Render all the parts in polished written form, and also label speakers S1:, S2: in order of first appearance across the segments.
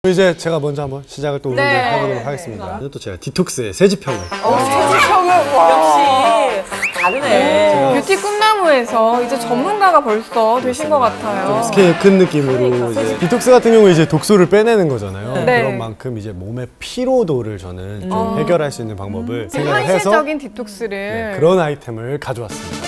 S1: 이제 제가 먼저 한번 시작을 또 오늘
S2: 네.
S1: 해보도록 하겠습니다. 또 제가 디톡스의 새지평을
S2: 세지평은 역시 다르네.
S3: 뷰티 꿈나무에서 이제 전문가가 벌써 되신 것 같아요.
S1: 스케일 큰 느낌으로 이제 디톡스 같은 경우에 이제 독소를 빼내는 거잖아요.
S3: 네.
S1: 그런 만큼 이제 몸의 피로도를 저는 좀 해결할 수 있는 방법을 생각을 해서
S3: 현실적인 디톡스를
S1: 네, 그런 아이템을 가져왔습니다.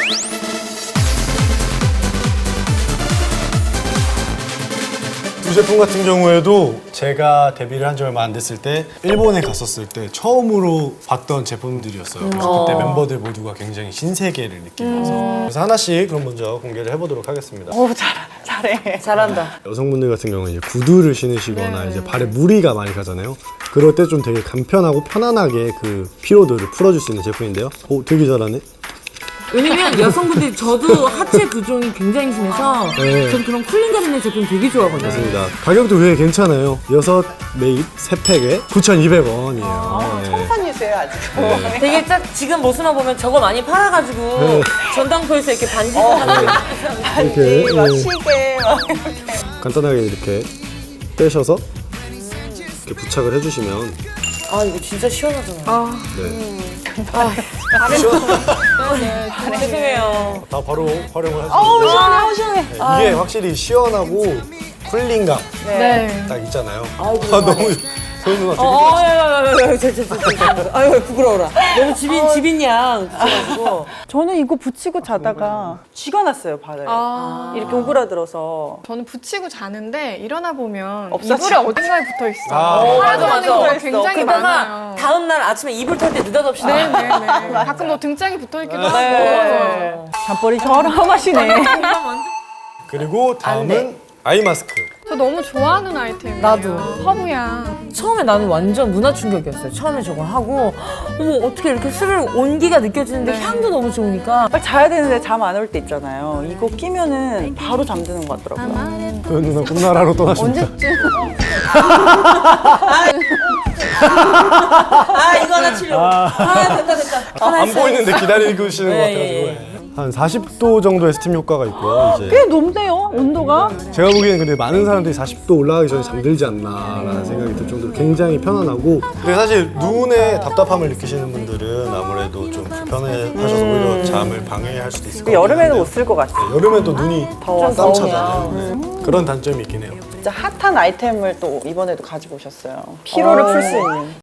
S1: 두 제품 같은 경우에도 제가 데뷔를 한 지 얼마 안 됐을 때 일본에 갔었을 때 처음으로 봤던 제품들이었어요. 그래서 그때 멤버들 모두가 굉장히 신세계를 느끼면서 그래서 하나씩 그럼 먼저 공개를 해보도록 하겠습니다.
S2: 오, 잘해. 잘한다.
S1: 여성분들 같은 경우는 이제 구두를 신으시거나 이제 발에 무리가 많이 가잖아요. 그럴 때 좀 되게 간편하고 편안하게 그 피로도를 풀어줄 수 있는 제품인데요. 오, 되게 잘하네.
S4: 왜냐면 여성분들이 저도 하체 부종이 굉장히 심해서
S1: 네.
S4: 전 그런 쿨링감 있는 제품 되게 좋아하거든요.
S1: 맞습니다. 가격도 되게 괜찮아요. 6매입 3팩에 9,200원이에요.
S2: 천산이세요, 아직.
S4: 되게 딱 지금 모습만 보면 저거 많이 팔아가지고
S1: 네.
S4: 전당포에서 이렇게 반지하는
S1: 이렇게
S2: 막
S1: 예,
S2: 시계, 막.
S1: 간단하게 이렇게 빼셔서 이렇게 부착을 해주시면
S4: 아 이거 진짜 시원하잖아.
S1: 네.
S4: 죄송해요.
S1: 다 바로 활용을 하시면
S2: 시원해, 시원해.
S1: 이게 확실히 시원하고 쿨링감
S3: 네.
S1: 딱 있잖아요. 너무 소연 누나 되게
S4: 아유 부끄러워라. 너무 집인 양 붙여가지고.
S2: 저는 이거 붙이고 자다가 쥐가 났어요, 발에. 이렇게 오그라들어서.
S3: 저는 붙이고 자는데 일어나 보면
S2: 없어져.
S3: 이불에 어딘가에 붙어 있어.
S1: 아,
S3: 사라져가는 경우가
S2: 맞아.
S3: 굉장히
S4: 그러다가
S3: 많아요.
S4: 다음 날 아침에 이불 털 때 느닷없이
S3: 네네네. 가끔 뭐 등짝이 붙어 있기도 하고.
S2: 네. 잠버리 저렴하시네.
S1: 그리고 다음은 아이 마스크.
S3: 저 너무 좋아하는 아이템이에요.
S4: 나도.
S3: 허브향.
S4: 처음에 나는 완전 문화 충격이었어요. 처음에 저거 하고 어머 어떻게 이렇게 스르르 온기가 느껴지는데
S3: 네.
S4: 향도 너무 좋으니까
S2: 빨리 자야 되는데 잠 안 올 때 있잖아요. 이거 끼면은 바로 잠드는 것 같더라고요.
S1: 소연 누나 꿈나라로 떠나십니다.
S3: 언제쯤?
S4: 아 이거 하나 치려고. 아 됐다.
S1: 안 보이는데 기다리고 계시는 것
S4: 예,
S1: 같아가지고 한 40도 정도의 스팀 효과가 있고요. 이제
S2: 꽤 높네요, 온도가.
S1: 제가 보기에는 근데 많은 사람들이 40도 올라가기 전에 잠들지 않나라는 생각이 들 정도로 굉장히 편안하고 근데 사실 눈에 답답함을 느끼시는 분들은 아무래도 좀 불편해하셔서 오히려 잠을 방해할 수도 있을 것 같아요.
S2: 여름에는 못 쓸 것 같아요.
S1: 여름엔 또 눈이
S2: 더워서.
S1: 땀 차잖아요. 네. 그런 단점이 있긴 해요.
S2: 진짜 핫한 아이템을 또 이번에도 가지고 오셨어요. 피로를 풀 수 있는.